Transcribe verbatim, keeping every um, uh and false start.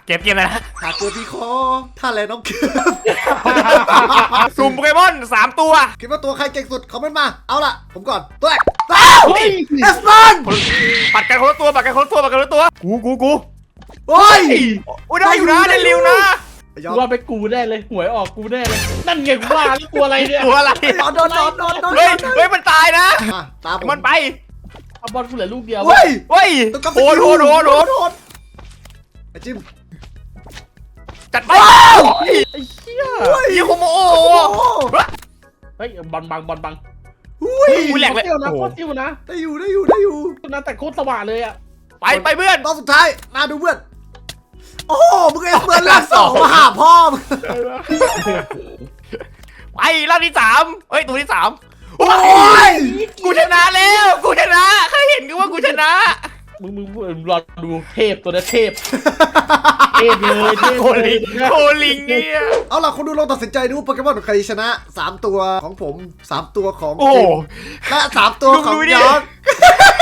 เก็บเกมเลยนะหาตัวที่คอท่าแลน้องเกือบสุ่มโปเกมอนสามตัวคิดว่าตัวใครเก่งสุดคอมเมนต์มาเอาล่ะผมก่อนตัวแรกเฮ้ยเอสปันปัดกันคนละตัวปัดกันคนละตัวปัดกันคนละตัวกูกูกูโอ้ยอุ้ยได้อยู่นะได้เร็วนะยอกูมว่าไปกูแน่เลยหวยออกกูแน่เลยนั่นไงกูว่าแล้วกลัวอะไรเนี่ยตัวอะไรโดนโดนโดนโดนโดนเฮ้ยเฮ้ยมันตายนะอ่ะตามผมมันไปเอาบอลกูเหลือลูกเดียวเฮ้ยเฮ้ยต้องกลับโหดโหดโหดโหดโหดไอ้จิมจัดไปไอ้เหี้ยยี่โคโมโอโอ้เฮ้ยบอลบังบอลบังอุ้ยกูแหลกเลยเที่ยวนะโอ้โคตรเที่ยวนะได้อยู่ได้อยู่ได้อยู่นะแต่โคตรสว่างเลยอ่ะไปไปเพื่อนตอนสุดท้ายมาดูเพื่อนโอ้โหมึงเอสเปิร์นลากสองมาหาพ่อมึงไปรอบที่สามเฮ้ยตัวที่สามโอ้ยกูชนะแล้วกูชนะใครเห็นกูว่ากูชนะมึงมึงมึงรอดูเทพตัวนี้เทพเทพเลยเทพโคลิงโคลิงเนี่ยเอาล่ะคนดูลองตัดสินใจดูโปเกมอนใครชนะสามตัวของผมสามตัวของโอ้จิมและสามตัวของดูดิยอน